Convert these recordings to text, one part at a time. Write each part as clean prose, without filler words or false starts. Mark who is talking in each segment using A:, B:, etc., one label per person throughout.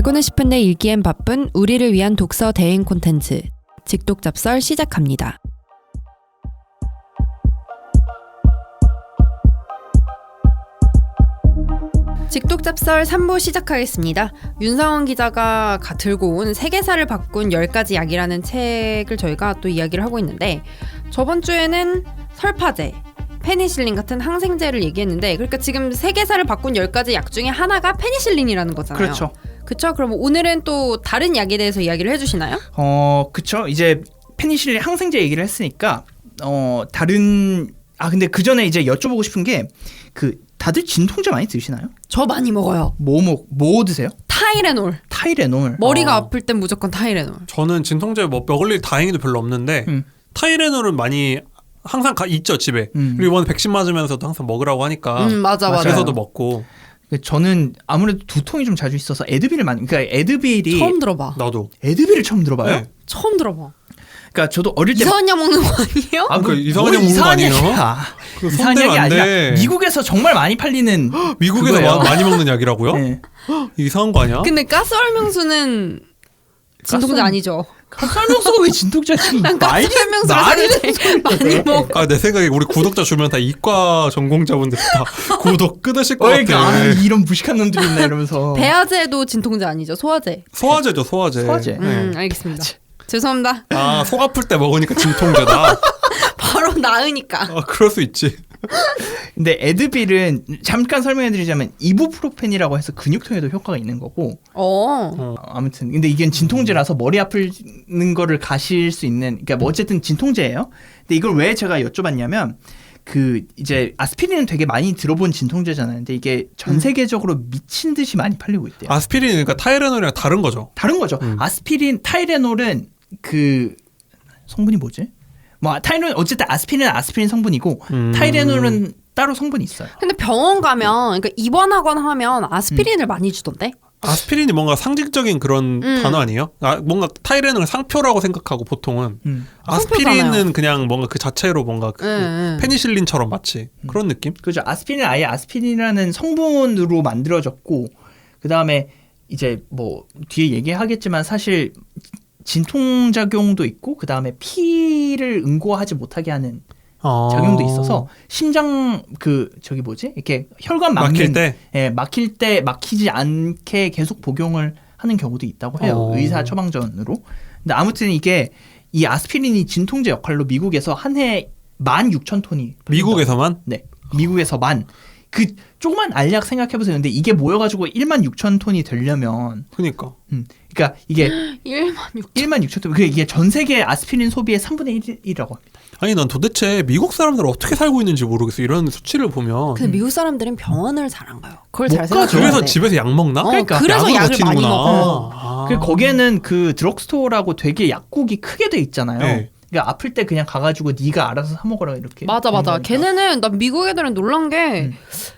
A: 알고는 싶은데 읽기엔 바쁜 우리를 위한 독서 대행 콘텐츠 직독잡설 시작합니다. 직독잡설 3부 시작하겠습니다. 윤상원 기자가 들고 온 세계사를 바꾼 10가지 약이라는 책을 저희가 또 이야기를 하고 있는데, 저번 주에는 설파제, 페니실린 같은 항생제를 얘기했는데, 그러니까 지금 세계사를 바꾼 10가지 약 중에 하나가 페니실린이라는 거잖아요.
B: 그렇죠.
A: 그쵸? 그럼 오늘은 또 다른 약에 대해서 이야기를 해주시나요?
B: 그쵸. 이제 페니실린 항생제 얘기를 했으니까 다른 근데 그 전에 이제 여쭤보고 싶은 게 다들 진통제 많이 드시나요?
A: 저 많이 먹어요.
B: 뭐 드세요?
A: 타이레놀. 머리가 아플 땐 무조건 타이레놀.
C: 저는 진통제 먹을 일 다행히도 별로 없는데 타이레놀은 많이 항상 있죠 집에. 그리고 이번에 백신 맞으면서도 항상 먹으라고 하니까.
A: 맞아.
C: 그래서도 먹고.
B: 저는 아무래도 두통이 좀 자주 있어서 에드빌을 그러니까 에드빌이
A: 처음 들어봐.
C: 나도.
B: 에드빌을 처음 들어봐요?
C: 네.
A: 처음 들어봐.
B: 그러니까 저도 어릴 때
A: 이상한 약 먹는 거 아니에요?
C: 그 이상한 약 먹는 거 아니에요?
B: 이상한 약이 아니라 미국에서 정말 많이 팔리는
C: 미국에서 많이 먹는 약이라고요?
B: 네.
C: 이상한 거 아니야?
A: 근데 가스활명수는 진통제 아니죠?
B: 가스활명수가 왜 진통제지?
A: 난 가스활명수를 많이 먹어.
C: 내 생각에 우리 구독자 주면 다 이과 전공자분들 다 구독 끊으실 것 같아.
B: 이런 무식한 놈들이 있나 이러면서.
A: 배아제도 진통제 아니죠? 소화제.
C: 소화제죠, 소화제.
A: 알겠습니다. 죄송합니다.
C: 속 아플 때 먹으니까 진통제다.
A: 바로 나으니까.
C: 그럴 수 있지.
B: 근데 에드빌은 잠깐 설명해드리자면 이부프로펜이라고 해서 근육통에도 효과가 있는 거고. 아무튼 근데 이게 진통제라서 머리 아프는 거를 가실 수 있는. 그러니까 뭐 어쨌든 진통제예요. 근데 이걸 왜 제가 여쭤봤냐면 이제 아스피린은 되게 많이 들어본 진통제잖아요. 근데 이게 전 세계적으로 미친 듯이 많이 팔리고 있대요.
C: 아스피린 그러니까 타이레놀이랑 다른 거죠.
B: 다른 거죠. 아스피린, 타이레놀은 성분이 뭐지? 타이레놀 어쨌든 아스피린은 아스피린 성분이고 타이레놀은 따로 성분이 있어요.
A: 근데 병원 가면 그러니까 입원하거나 하면 아스피린을 많이 주던데?
C: 아스피린이 뭔가 상징적인 그런 단어 아니에요? 뭔가 타이레놀은 상표라고 생각하고 보통은 아스피린은 그냥 뭔가 그 자체로 뭔가 페니실린처럼 마치 그런 느낌?
B: 그죠. 아스피린은 아예 아스피린이라는 성분으로 만들어졌고, 그 다음에 이제 뒤에 얘기하겠지만 사실 진통작용도 있고, 그 다음에 피를 응고하지 못하게 하는 작용도 있어서 심장 이렇게 혈관
C: 막힐 때?
B: 막힐 때 막히지 않게 계속 복용을 하는 경우도 있다고 해요. 의사 처방전으로. 근데 아무튼 이 아스피린이 진통제 역할로 미국에서 한 해 16,000톤이
C: 미국에서만?
B: 네. 미국에서만. 조그만 알약 생각해보세요. 근데 이게 모여가지고 16,000톤이 되려면.
C: 그러니까
B: 이게
A: 16,000톤.
B: 이게 전 세계 아스피린 소비의 3분의 1이라고 합니다.
C: 아니 난 도대체 미국 사람들 어떻게 살고 있는지 모르겠어. 이런 수치를 보면.
A: 근데 미국 사람들은 병원을 잘 안 가요. 그걸 잘 생각해.
C: 그래서 집에서 약 먹나?
A: 그래서 약을 많이 먹어.
B: 거기에는 드럭스토어라고 되게 약국이 크게 돼 있잖아요.
C: 네.
B: 그러니까 아플 때 그냥 가가지고 네가 알아서 사 먹어라 이렇게.
A: 맞아. 걔네는 난 미국 애들은 놀란 게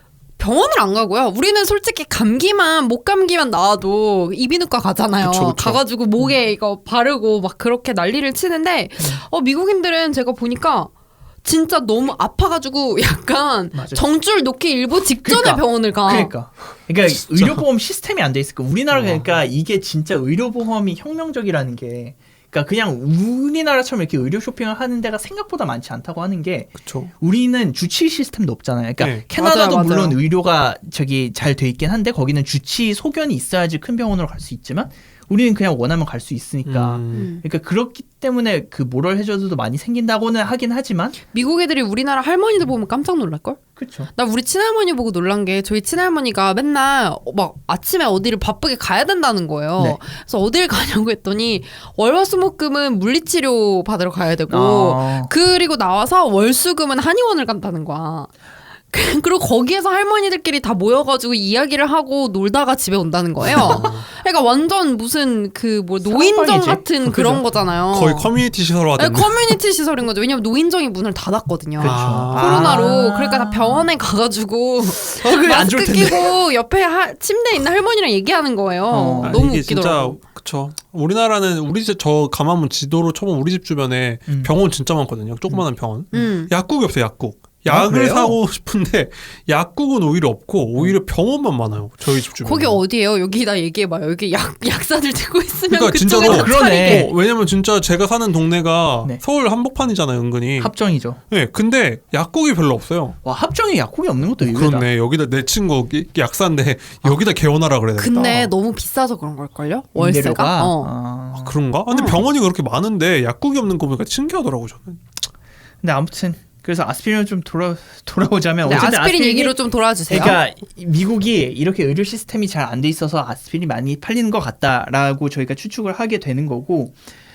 A: 병원을 안 가고요. 우리는 솔직히 목 감기만 나와도 이비인후과 가잖아요.
C: 그쵸.
A: 가가지고 목에 이거 바르고 막 그렇게 난리를 치는데 미국인들은 제가 보니까 진짜 너무 아파가지고 약간 정줄 놓기 일보 직전에 병원을 가.
B: 그러니까 의료보험 시스템이 안 돼 있을까. 우리나라 그러니까 이게 진짜 의료보험이 혁명적이라는 게. 그러니까 그냥 우리나라처럼 이렇게 의료 쇼핑을 하는 데가 생각보다 많지 않다고 하는 게,
C: 그쵸.
B: 우리는 주치 시스템도 없잖아요. 그러니까 캐나다도 맞아요. 물론 의료가 잘 돼 있긴 한데 거기는 주치 소견이 있어야지 큰 병원으로 갈 수 있지만 우리는 그냥 원하면 갈 수 있으니까. 그러니까 그렇기 때문에 모럴 해저드도 많이 생긴다고는 하긴 하지만
A: 미국 애들이 우리나라 할머니들 보면 깜짝 놀랄걸?
B: 그렇죠.
A: 나 우리 친할머니 보고 놀란 게, 저희 친할머니가 맨날 막 아침에 어디를 바쁘게 가야 된다는 거예요. 네. 그래서 어딜 가냐고 했더니 월화수목금은 물리치료 받으러 가야 되고 그리고 나와서 월수금은 한의원을 간다는 거야. 그리고 거기에서 할머니들끼리 다 모여가지고 이야기를 하고 놀다가 집에 온다는 거예요. 그러니까 완전 무슨 노인정 같은 그런 거잖아요.
C: 거의 커뮤니티 시설화 됐네.
A: 커뮤니티 시설인 거죠. 왜냐면 노인정이 문을 닫았거든요.
B: 그렇죠.
A: 코로나로. 그러니까 다 병원에 가가지고 마스크 끼고 옆에 침대에 있는 할머니랑 얘기하는 거예요. 너무 웃기더라고요.
C: 진짜 그쵸. 우리나라는 저 가만 지도로 쳐보면 우리 집 주변에 병원 진짜 많거든요. 조그마한 병원. 약국이 없어요. 약을 사고 싶은데 약국은 오히려 없고 오히려 병원만 많아요. 저희 집 주변에.
A: 거기 어디예요? 여기다 얘기해봐요. 여기 약사들 들고 있으면
C: 그러니까
A: 그쪽에서
B: 그러네.
C: 왜냐면 진짜 제가 사는 동네가
B: 네.
C: 서울 한복판이잖아요, 은근히.
B: 합정이죠.
C: 네, 근데 약국이 별로 없어요.
B: 와, 합정에 약국이 없는 것도 의외다.
C: 그렇네. 여기다 내 친구 약사인데 여기다 개원하라 그래야 되겠다.
A: 근데 너무 비싸서 그런 걸걸요? 월세가?
B: 임대료가?
C: 아, 그런가? 근데 병원이 그렇게 많은데 약국이 없는 거 보니까 신기하더라고 저는.
B: 근데 아무튼 그래서 아스피린을 좀 돌아오자면
A: 네,
B: 어쨌든
A: 아스피린 얘기로 좀 돌아주세요.
B: 그러니까 미국이 이렇게 의료 시스템이 잘 안 돼 있어서 아스피린이 많이 팔리는 것 같다라고 저희가 추측을 하게 되는 거고,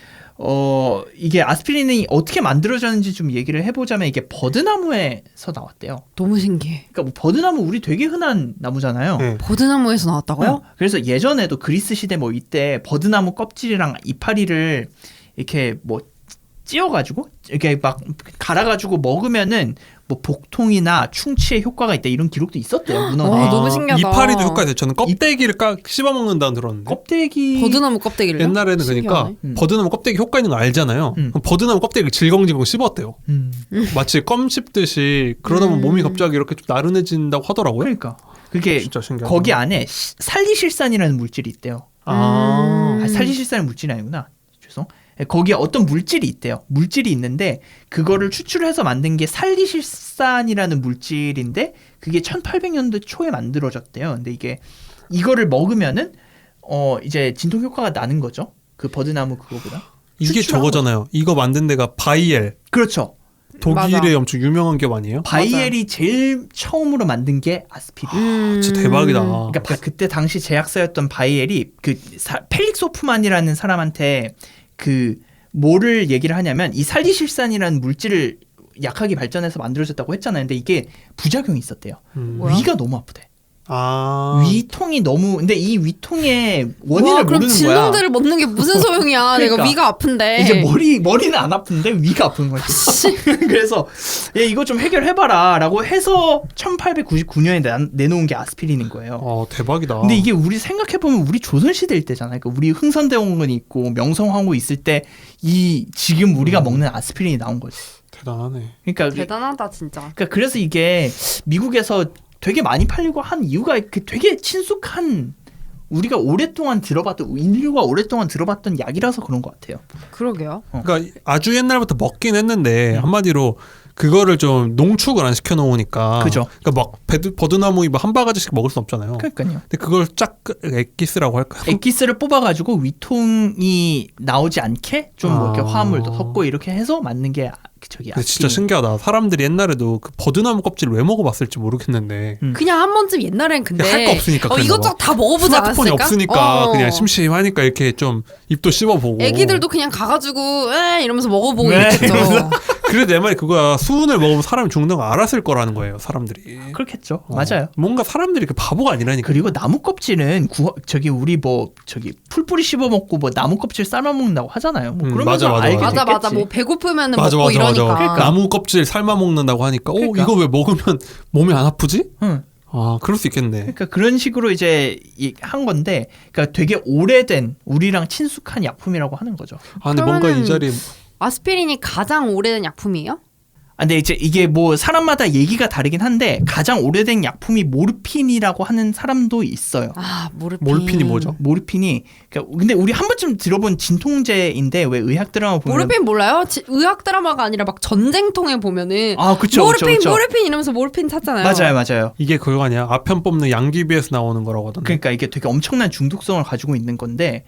B: 이게 아스피린이 어떻게 만들어졌는지 좀 얘기를 해보자면 이게 버드나무에서 나왔대요.
A: 너무 신기해.
B: 그러니까 뭐 버드나무 우리 되게 흔한 나무잖아요.
C: 네.
A: 버드나무에서 나왔다고요?
B: 그래서 예전에도 그리스 시대 뭐 이때 버드나무 껍질이랑 이파리를 이렇게 뭐 찧어가지고 이렇게 막 갈아가지고 먹으면은 뭐 복통이나 충치에 효과가 있다 이런 기록도 있었대요. 문헌에.
A: 너무 신기하다.
C: 이파리도 효과가 있어요. 저는 껍데기를 씹어 먹는다는 들었는데.
B: 껍데기
A: 버드나무 껍데기를
C: 옛날에는 그러니까 버드나무 껍데기 효과 있는 거 알잖아요. 그럼 버드나무 껍데기를 질겅질겅 씹었대요. 마치 껌 씹듯이 그러다 보면 몸이 갑자기 이렇게 좀 나른해진다고 하더라고요.
B: 그러니까 그게
C: 진짜 신기하다.
B: 거기 안에 살리실산이라는 물질이 있대요. 살리실산은 물질이 아니구나. 죄송. 거기에 어떤 물질이 있대요. 물질이 있는데 그거를 추출해서 만든 게 살리실산이라는 물질인데 그게 1800년대 초에 만들어졌대요. 근데 이거를 먹으면은 이제 진통 효과가 나는 거죠. 그 버드나무 그거보다.
C: 이게 저거잖아요. 이거 만든 데가 바이엘.
B: 그렇죠.
C: 독일의
A: 맞아.
C: 엄청 유명한 기업 아니에요?
B: 바이엘이 제일 처음으로 만든 게 아스피린.
C: 진짜 대박이다.
B: 그러니까 그때 당시 제약사였던 바이엘이 그 펠릭스 호프만이라는 사람한테 그 뭐를 얘기를 하냐면 이 살리실산이라는 물질을 약하게 발전해서 만들어졌다고 했잖아요. 근데 이게 부작용이 있었대요.
A: 뭐야?
B: 위가 너무 아프대.
C: 아.
B: 위통이 너무 근데 이 위통의 원인을
A: 와, 그럼
B: 모르는 거야.
A: 진통제를 먹는 게 무슨 소용이야?
B: 그러니까.
A: 내가 위가 아픈데.
B: 이제 머리는 안 아픈데 위가 아픈 거지. 그래서 이거 좀 해결해봐라라고 해서 1899년에 내놓은 게 아스피린인 거예요.
C: 대박이다.
B: 근데 이게 우리 생각해보면 우리 조선시대일 때잖아요. 그러니까 우리 흥선대원군이 있고 명성황후 있을 때 이 지금 우리가 먹는 아스피린이 나온 거지.
C: 대단하네.
B: 그러니까
A: 대단하다 진짜.
B: 그러니까 그래서 이게 미국에서 되게 많이 팔리고 한 이유가 되게 친숙한 우리가 오랫동안 들어봤던 인류가 오랫동안 들어봤던 약이라서 그런 것 같아요.
A: 그러게요.
C: 그러니까 아주 옛날부터 먹긴 했는데 한마디로 그거를 좀 농축을 안 시켜 놓으니까.
B: 그죠.
C: 그러니까 막 버드나무 한 바가지씩 먹을 수 없잖아요.
B: 그러니까요.
C: 근데 그걸 쫙 엑기스라고 할까요?
B: 엑기스를 뽑아가지고 위통이 나오지 않게 좀 뭐 이렇게 화합물도 섞고 이렇게 해서 만든 게 저기
C: 근데 진짜 신기하다. 사람들이 옛날에도 그 버드나무 껍질을 왜 먹어봤을지 모르겠는데
A: 그냥 한 번쯤 옛날엔 근데
C: 할 거 없으니까 그랬나
A: 이것저것
C: 봐.
A: 다 먹어보지
C: 스마트폰이
A: 않았을까?
C: 없으니까 그냥 심심하니까 이렇게 좀 입도 씹어보고.
A: 애기들도 그냥 가가지고 에 이러면서 먹어보고
B: 네,
A: 이랬겠죠.
C: 그래도 내 말이 그거야. 수은을 먹으면 사람이 죽는 거 알았을 거라는 거예요. 사람들이.
B: 그렇겠죠. 맞아요.
C: 뭔가 사람들이 그 바보가 아니라니까.
B: 그리고 나무 껍질은 저기 우리 뭐 저기 풀뿌리 씹어 먹고 뭐 나무 껍질 삶아 먹는다고 하잖아요. 뭐 그러면서
C: 맞아.
B: 알게
A: 맞아
B: 됐겠지.
A: 맞아 뭐 배고프면은
C: 맞아,
A: 먹고
C: 맞아,
A: 이러니까.
C: 맞아.
B: 그러니까.
C: 나무 껍질 삶아 먹는다고 하니까
B: 그러니까.
C: 이거 왜 먹으면 몸이 안 아프지?
B: 응.
C: 아, 그럴 수 있겠네.
B: 그러니까 그런 식으로 이제 한 건데, 그러니까 되게 오래된 우리랑 친숙한 약품이라고 하는 거죠.
C: 아, 근데 뭔가 이 자리에
A: 아스피린이 가장 오래된 약품이에요?
B: 근데 이제 이게 뭐 사람마다 얘기가 다르긴 한데 가장 오래된 약품이 모르핀이라고 하는 사람도 있어요.
A: 아 모르핀.
C: 몰핀이 뭐죠?
B: 모르핀이 그러니까 근데 우리 한 번쯤 들어본 진통제인데 왜 의학 드라마 보면
A: 모르핀 몰라요? 의학 드라마가 아니라 막 전쟁통에 보면은
B: 그쵸,
A: 모르핀
B: 그쵸.
A: 모르핀 이러면서 모르핀 찾잖아요.
B: 맞아요.
C: 이게 그거 아니야? 아편 뽑는 양귀비에서 나오는 거라고 하던데.
B: 그러니까 이게 되게 엄청난 중독성을 가지고 있는 건데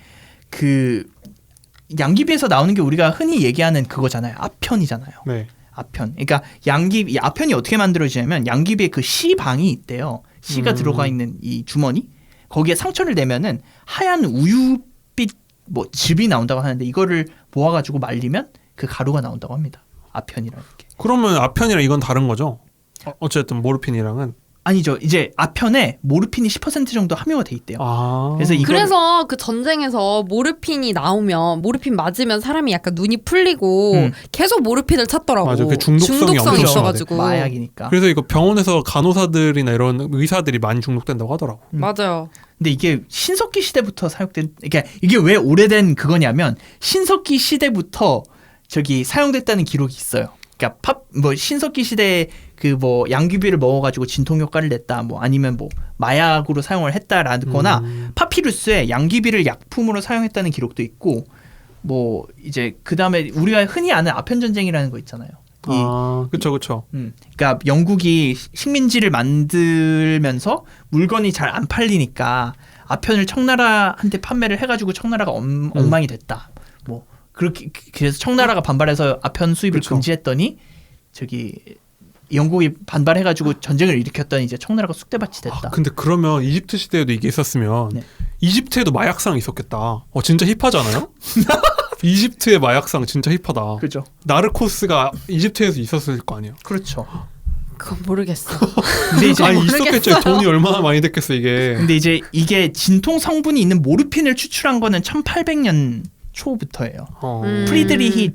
B: 그 양귀비에서 나오는 게 우리가 흔히 얘기하는 그거잖아요. 아편이잖아요.
C: 네.
B: 아편. 그러니까 이 아편이 어떻게 만들어지냐면 양귀비에 그 씨방이 있대요. 씨가 들어가 있는 이 주머니. 거기에 상처를 내면은 하얀 우유빛 뭐 즙이 나온다고 하는데 이거를 모아가지고 말리면 그 가루가 나온다고 합니다. 아편이라는 게.
C: 그러면 아편이랑 이건 다른 거죠? 어쨌든 모르핀이랑은.
B: 아니죠. 이제 아편에 모르핀이 10% 정도 함유가 돼 있대요.
C: 아.
A: 그래서 그 전쟁에서 모르핀이 나오면 모르핀 맞으면 사람이 약간 눈이 풀리고 계속 모르핀을 찾더라고.
C: 맞아. 그 중독성이 엄청
A: 있어가지고.
B: 마약이니까.
C: 그래서 이거 병원에서 간호사들이나 이런 의사들이 많이 중독된다고 하더라고.
A: 맞아요.
B: 근데 이게 신석기 시대부터 사용된 그러니까 이게 왜 오래된 그거냐면 신석기 시대부터 저기 사용됐다는 기록이 있어요. 그러니까 신석기 시대에 그 뭐 양귀비를 먹어가지고 진통 효과를 냈다, 뭐 아니면 뭐 마약으로 사용을 했다라거나 파피루스에 양귀비를 약품으로 사용했다는 기록도 있고, 뭐 이제 그 다음에 우리가 흔히 아는 아편 전쟁이라는 거 있잖아요.
C: 그렇죠.
B: 그러니까 영국이 식민지를 만들면서 물건이 잘 안 팔리니까 아편을 청나라한테 판매를 해가지고 청나라가 엉망이 됐다. 뭐 그렇게 그래서 청나라가 반발해서 아편 수입을
C: 그쵸.
B: 금지했더니 저기 영국이 반발해가지고 전쟁을 일으켰더니 이제 청나라가 쑥대밭이 됐다.
C: 근데 그러면 이집트 시대에도 이게 있었으면
B: 네.
C: 이집트에도 마약상 있었겠다. 진짜 힙하잖아요. 이집트의 마약상 진짜 힙하다.
B: 그죠.
C: 나르코스가 이집트에서 있었을 거 아니에요.
B: 그렇죠.
A: 그건 모르겠어.
B: 근데 이제
C: 있었겠죠. 돈이 얼마나 많이 됐겠어 이게.
B: 근데 이제 이게 진통 성분이 있는 모르핀을 추출한 거는 1800년 초부터예요. 프리드리히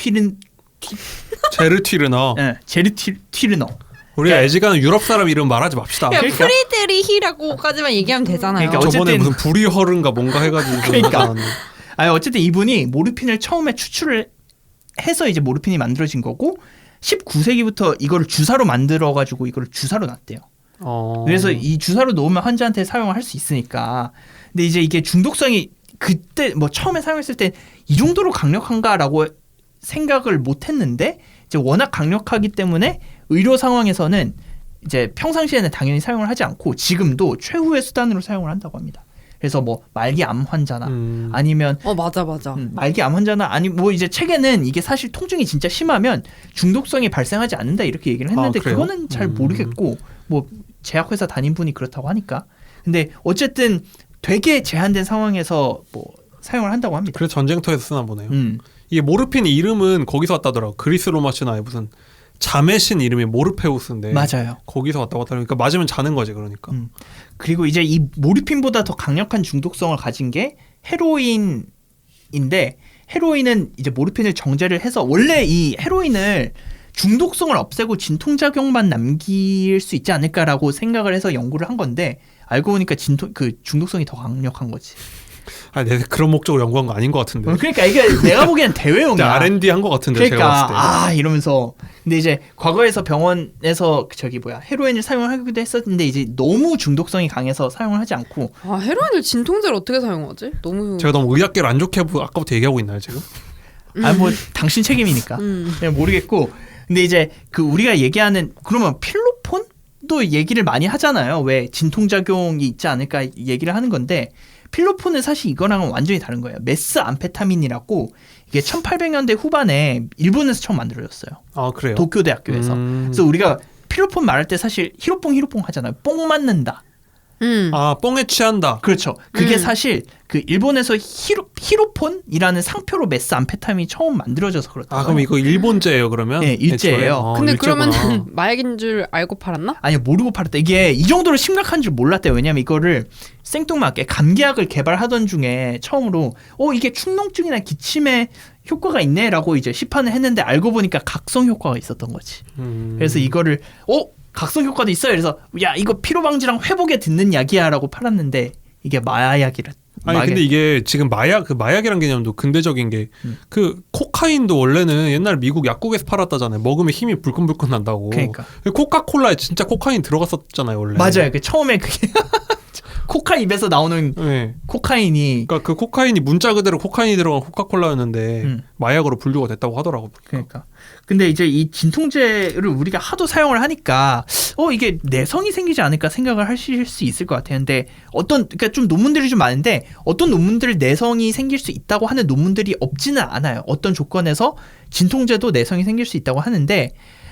C: 제르튀르너.
B: 네, 제르튀르너.
C: 우리가 애지간한 유럽 사람 이름 말하지 맙시다.
A: 야, 프리드리히라고까지만 얘기하면 되잖아요.
B: 그러니까
C: 저번에
B: 어쨌든-
C: 무슨 불이허른가 뭔가 해가지고
B: 그러니까. 어쨌든 이분이 모르핀을 처음에 추출을 해서 이제 모르핀이 만들어진 거고 19세기부터 이거를 주사로 만들어가지고 이거를 주사로 놨대요. 그래서 이 주사로 놓으면 환자한테 사용을 할 수 있으니까. 근데 이제 이게 중독성이 그때 뭐 처음에 사용했을 때 이 정도로 강력한가라고 생각을 못했는데 이제 워낙 강력하기 때문에 의료 상황에서는 이제 평상시에는 당연히 사용을 하지 않고 지금도 최후의 수단으로 사용을 한다고 합니다. 그래서 뭐 말기 암 환자나 아니면
A: 맞아.
B: 말기 암 환자나 아니 뭐 이제 책에는 이게 사실 통증이 진짜 심하면 중독성이 발생하지 않는다 이렇게 얘기를 했는데
C: 그래요?
B: 그거는 잘 모르겠고 뭐 제약회사 단임분이 그렇다고 하니까. 근데 어쨌든 되게 제한된 상황에서 뭐 사용을 한다고 합니다.
C: 그래서 전쟁터에서 쓰나 보네요. 이게 모르핀 이름은 거기서 왔다더라고. 그리스 로마 신화에 무슨 잠의 신 이름이 모르페우스인데
B: 맞아요.
C: 거기서 왔다고 하더라고. 그러니까 맞으면 자는 거지 그러니까.
B: 그리고 이제 이 모르핀보다 더 강력한 중독성을 가진 게 헤로인인데 헤로인은 이제 모르핀을 정제를 해서 원래 이 헤로인을 중독성을 없애고 진통작용만 남길 수 있지 않을까라고 생각을 해서 연구를 한 건데 알고 보니까 중독성이 더 강력한 거지.
C: 내가 그런 목적으로 연구한 거 아닌 것 같은데.
B: 그러니까 이게 내가 보기엔 대회용이야.
C: R&D 한 것 같은데
B: 그러니까
C: 제가 봤을 때.
B: 이러면서 근데 이제 과거에서 병원에서 헤로인을 사용하기도 했었는데 이제 너무 중독성이 강해서 사용을 하지 않고.
A: 헤로인을 진통제를 어떻게 사용하지? 너무
C: 제가 너무 의학계를 안 좋게 아까부터 얘기하고 있나요 지금?
B: 뭐 당신 책임이니까 그냥 모르겠고. 근데 이제 그 우리가 얘기하는 그러면 필로폰도 얘기를 많이 하잖아요. 왜 진통작용이 있지 않을까 얘기를 하는 건데 필로폰은 사실 이거랑은 완전히 다른 거예요. 메스암페타민이라고 이게 1800년대 후반에 일본에서 처음 만들어졌어요.
C: 그래요?
B: 도쿄대학교에서. 그래서 우리가 필로폰 말할 때 사실 히로뽕 하잖아요. 뽕 맞는다.
C: 뽕에 취한다.
B: 그렇죠. 그게 사실 그 일본에서 히로폰이라는 상표로 메스암페타민이 처음 만들어져서 그렇다.
C: 그럼 이거 일본제예요 그러면?
B: 네, 일제예요.
A: 근데
C: 일제구나.
A: 그러면 마약인 줄 알고 팔았나?
B: 아니 모르고 팔았다. 이게 이 정도로 심각한 줄 몰랐대요. 왜냐면 이거를 생뚱맞게 감기약을 개발하던 중에 처음으로 이게 축농증이나 기침에 효과가 있네라고 이제 시판을 했는데 알고 보니까 각성 효과가 있었던 거지. 그래서 이거를 각성 효과도 있어요. 그래서 야 이거 피로 방지랑 회복에 듣는 약이야라고 팔았는데 이게 마약이라.
C: 근데 이게 지금 마약이란 개념도 근대적인 게 그 코카인도 원래는 옛날 미국 약국에서 팔았다잖아요. 먹으면 힘이 불끈불끈 난다고.
B: 그러니까
C: 코카콜라에 진짜 코카인 들어갔었잖아요 원래.
B: 맞아요. 그 처음에 그게 코카 입에서 나오는 코카인이.
C: 그러니까 그 코카인이 문자 그대로 코카인이 들어간 코카콜라였는데 마약으로 분류가 됐다고 하더라고.
B: 그러니까. 근데 이제 이 진통제를 우리가 하도 사용을 하니까 이게 내성이 생기지 않을까 생각을 하실 수 있을 것 같아요. 근데 그러니까 좀 논문들이 좀 많은데 어떤 논문들 내성이 생길 수 있다고 하는 논문들이 없지는 않아요. 어떤 조건에서 진통제도 내성이 생길 수 있다고 하는데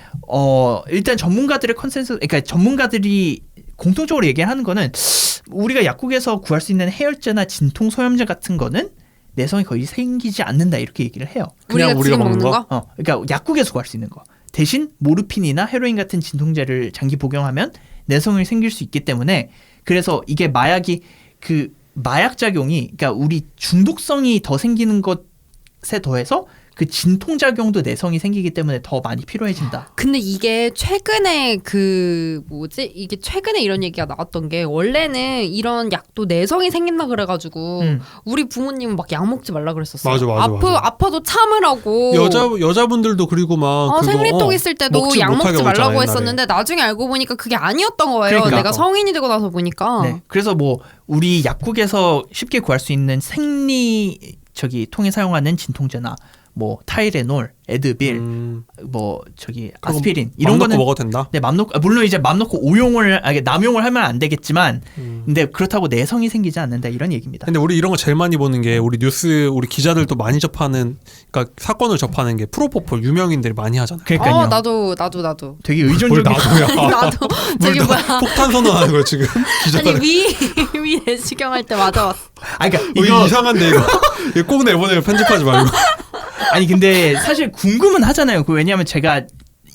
B: 일단 전문가들의 컨센서스, 그러니까 전문가들이 공통적으로 얘기하는 거는 우리가 약국에서 구할 수 있는 해열제나 진통 소염제 같은 거는 내성이 거의 생기지 않는다 이렇게 얘기를 해요.
C: 그냥 우리가 먹는 거?
B: 그러니까 약국에서 구할 수 있는 거. 대신 모르핀이나 헤로인 같은 진통제를 장기 복용하면 내성이 생길 수 있기 때문에 그래서 이게 마약이 그 마약 작용이 그러니까 우리 중독성이 더 생기는 것에 더해서 그 진통작용도 내성이 생기기 때문에 더 많이 필요해진다.
A: 근데 이게 최근에 이게 최근에 이런 얘기가 나왔던 게 원래는 이런 약도 내성이 생긴다 그래가지고 우리 부모님은 막 약 먹지 말라 그랬었어요.
C: 맞아.
A: 아파도 참으라고.
C: 여자분들도 그리고 막
A: 생리통 있을 때도 약 먹지 말라고 했었는데 나중에 알고 보니까 그게 아니었던 거예요.
B: 그러니까.
A: 내가 성인이 되고 나서 보니까.
B: 네. 그래서 뭐 우리 약국에서 쉽게 구할 수 있는 통에 사용하는 진통제나 뭐 타이레놀, 에드빌, 아스피린 이런 거는
C: 먹어도 된다.
B: 네, 물론 이제 맘 놓고 남용을 하면 안 되겠지만, 근데 그렇다고 내성이 생기지 않는다 이런 얘기입니다.
C: 근데 우리 이런 거 제일 많이 보는 게 우리 뉴스 우리 기자들도 많이 접하는, 그러니까 사건을 접하는 게 프로포폴 유명인들이 많이 하잖아요.
B: 그러니까요.
A: 나도.
B: 되게 의존적인.
C: 나도야.
A: 나도 저기 뭐야.
C: 폭탄 선언하는 거야 지금 기자들.
A: 위 내시경 할 때 맞아봤어.
B: 그러니까
C: 이거 이상한데 이거 꼭 내보내요. 편집하지 말고.
B: 아니 근데 사실 궁금은 하잖아요. 왜냐하면 제가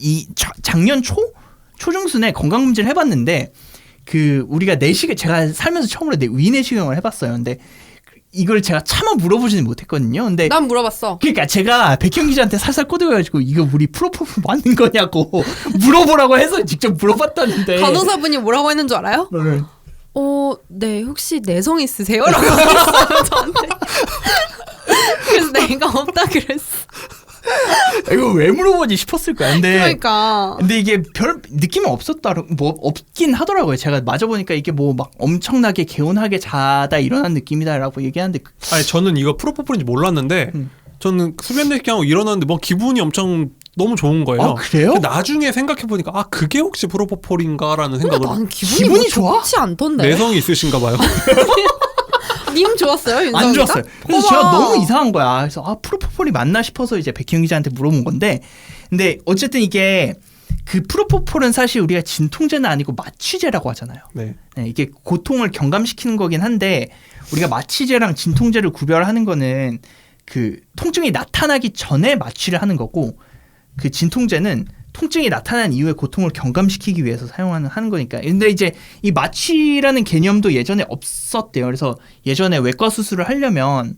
B: 작년 초중순에 건강검진을 해봤는데 우리가 제가 살면서 처음으로 위내시경을 해봤어요. 근데 이걸 제가 차마 물어보지는 못했거든요. 근데
A: 난 물어봤어.
B: 그러니까 제가 백현 기자한테 살살 꼬드겨가지고 이거 우리 프로포폴 맞는 거냐고 물어보라고 해서 직접 물어봤다는데
A: 간호사분이 뭐라고 했는 줄 알아요? 네, 혹시 내성 있으세요? 라고 했어요 저한테. 그래서 내가 없다 그랬어.
B: 이거 왜 물어보지 싶었을 거야. 근데 이게 별 느낌은 없긴 하더라고요. 제가 맞아보니까 이게 뭐 막 엄청나게 개운하게 자다 일어난 느낌이다라고 얘기하는데.
C: 아니 저는 이거 프로포폴인지 몰랐는데 저는 수면 내시경하고 일어났는데 뭐 기분이 엄청 너무 좋은 거예요.
B: 아, 그래요?
C: 나중에 생각해보니까 그게 혹시 프로포폴인가라는 생각을.
A: 난 기분이
B: 좋아?
A: 좋지 않던데.
C: 내성이 있으신가 봐요.
A: 님 좋았어요? 윤성이가?
B: 안 좋았어요. 그래서 제가 너무 이상한 거야. 그래서 프로포폴이 맞나 싶어서 이제 백희영 기자한테 물어본 건데, 근데 어쨌든 이게 프로포폴은 사실 우리가 진통제는 아니고 마취제라고 하잖아요.
C: 네.
B: 이게 고통을 경감시키는 거긴 한데 우리가 마취제랑 진통제를 구별하는 거는 통증이 나타나기 전에 마취를 하는 거고, 진통제는 통증이 나타난 이후에 고통을 경감시키기 위해서 하는 거니까. 근데 이제 이 마취라는 개념도 예전에 없었대요. 그래서 예전에 외과 수술을 하려면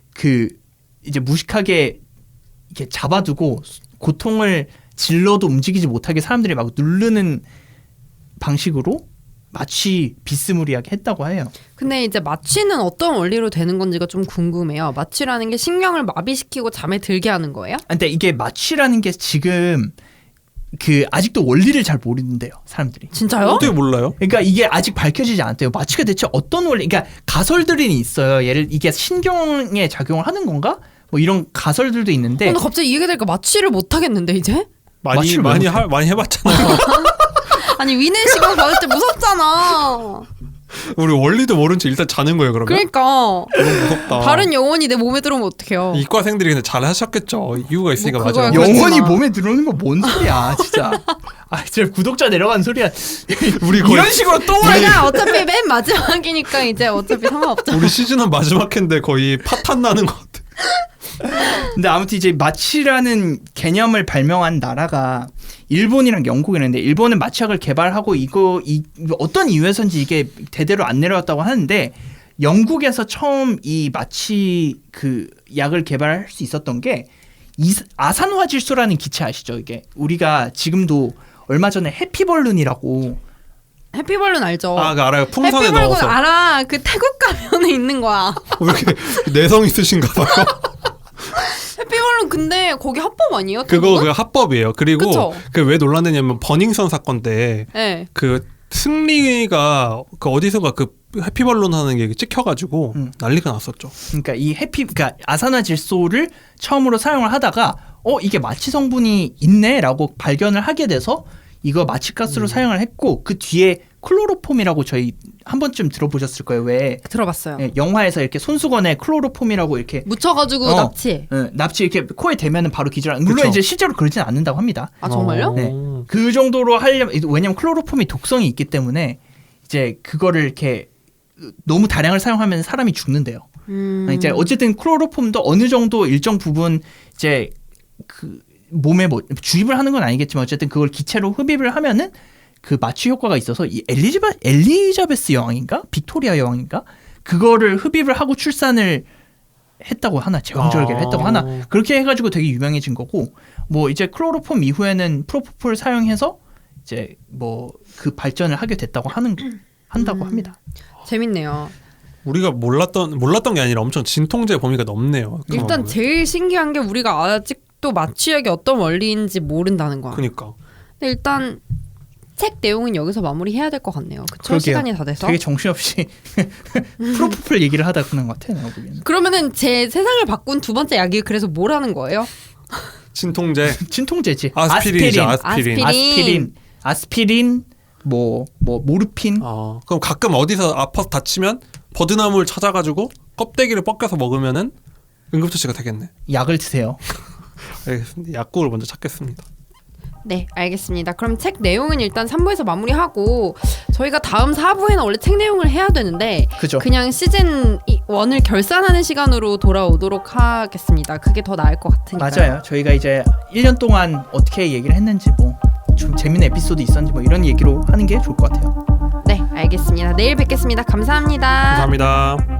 B: 이제 무식하게 이렇게 잡아두고 고통을 질러도 움직이지 못하게 사람들이 막 누르는 방식으로 마취 비스무리하게 했다고 해요.
A: 근데 이제 마취는 어떤 원리로 되는 건지가 좀 궁금해요. 마취라는 게 신경을 마비시키고 잠에 들게 하는 거예요?
B: 근데 이게 마취라는 게 지금 아직도 원리를 잘 모르는데요, 사람들이.
A: 진짜요?
C: 어떻게 몰라요?
B: 그러니까 이게 아직 밝혀지지 않았대요. 마취가 대체 어떤 원리? 그러니까 가설들이 있어요. 이게 신경에 작용을 하는 건가? 뭐 이런 가설들도 있는데.
A: 근데 갑자기 이 얘기되니까 마취를 못 하겠는데 이제?
C: 많이 해봤잖아요.
A: 아니 위내시경 받을 때 무섭잖아.
C: 우리 원리도 모른 채 일단 자는 거예요, 그러면?
A: 그러니까.
C: 너무 무섭다.
A: 다른 영혼이 내 몸에 들어오면 어떡해요.
C: 이과생들이 근데 잘 하셨겠죠. 이유가 있으니까.
A: 뭐
C: 맞아요.
B: 영혼이 몸에 들어오는 건 뭔 소리야, 진짜. 진짜 구독자 내려간 소리야. 우리 거의 이런 식으로 또
A: 제가 어차피 맨 마지막이니까 이제 어차피 상관없잖아.
C: 우리 시즌은 마지막 회인데 거의 파탄 나는 것 같아.
B: 근데 아무튼 이제 마취라는 개념을 발명한 나라가 일본이랑 영국이었는데, 일본은 마취약을 개발하고 어떤 이유에서인지 이게 대대로 안 내려왔다고 하는데, 영국에서 처음 이 마취 약을 개발할 수 있었던 게 아산화질소라는 기체 아시죠? 이게 우리가 지금도 얼마 전에 해피벌룬이라고.
A: 해피벌룬 알죠?
C: 알아요. 풍선에
A: 해피벌룬
C: 넣어서.
A: 알아. 태국 가면에 있는 거야.
C: 왜 이렇게 내성 있으신가 봐요.
A: 해피벌룬 근데 거기 합법 아니에요?
C: 그거 합법이에요. 그리고 왜 논란되냐면 버닝썬 사건 때
A: 네.
C: 승리가 어디선가 해피벌룬 하는 게 찍혀가지고 난리가 났었죠.
B: 그러니까 그러니까 아산화질소를 처음으로 사용을 하다가 이게 마취 성분이 있네라고 발견을 하게 돼서 이거 마취가스로 사용을 했고, 그 뒤에 클로로폼이라고 저희 한 번쯤 들어보셨을 거예요. 왜?
A: 들어봤어요.
B: 영화에서 이렇게 손수건에 클로로폼이라고 이렇게
A: 묻혀가지고 납치.
B: 납치 이렇게 코에 대면은 바로 기절하는. 물론 이제 실제로 그러지는 않는다고 합니다.
A: 아 정말요?
B: 네. 그 정도로 하려면, 왜냐면 클로로폼이 독성이 있기 때문에 이제 그거를 이렇게 너무 다량을 사용하면 사람이 죽는데요. 이제 어쨌든 클로로폼도 어느 정도 일정 부분 이제 몸에 주입을 하는 건 아니겠지만 어쨌든 그걸 기체로 흡입을 하면은 마취 효과가 있어서 이 엘리자베스 여왕인가 빅토리아 여왕인가 그거를 흡입을 하고 출산을 했다고 하나, 제왕절개를 했다고 하나, 그렇게 해가지고 되게 유명해진 거고, 뭐 이제 클로로폼 이후에는 프로포폴 사용해서 이제 뭐 그 발전을 하게 됐다고 한다고 합니다.
A: 재밌네요.
C: 우리가 몰랐던 게 아니라 엄청 진통제 범위가 넓네요.
A: 일단 제일 신기한 게 우리가 아직도 마취약이 어떤 원리인지 모른다는 거야.
C: 그러니까.
A: 근데 일단 책 내용은 여기서 마무리해야 될 것 같네요. 그쵸? 시간이 다 돼서.
B: 되게 정신없이 프로포폴 얘기를 하다 끝난 것 같아요. 내가 보기에는.
A: 그러면은 제 세상을 바꾼 두 번째 약이 그래서 뭐라는 거예요?
B: 진통제지. 아스피린, 뭐 모르핀.
C: 그럼 가끔 어디서 아파서 다치면 버드나무를 찾아가지고 껍데기를 벗겨서 먹으면은 응급처치가 되겠네.
B: 약을 드세요.
C: 알겠습니다. 약국을 먼저 찾겠습니다.
A: 네, 알겠습니다. 그럼 책 내용은 일단 3부에서 마무리하고 저희가 다음 4부에는 원래 책 내용을 해야 되는데
B: 그죠.
A: 그냥 시즌 1을 결산하는 시간으로 돌아오도록 하겠습니다. 그게 더 나을 것 같으니까요.
B: 맞아요. 저희가 이제 1년 동안 어떻게 얘기를 했는지 뭐 좀 재밌는 에피소드 있었는지 뭐 이런 얘기로 하는 게 좋을 것 같아요.
A: 네, 알겠습니다. 내일 뵙겠습니다. 감사합니다.
C: 감사합니다.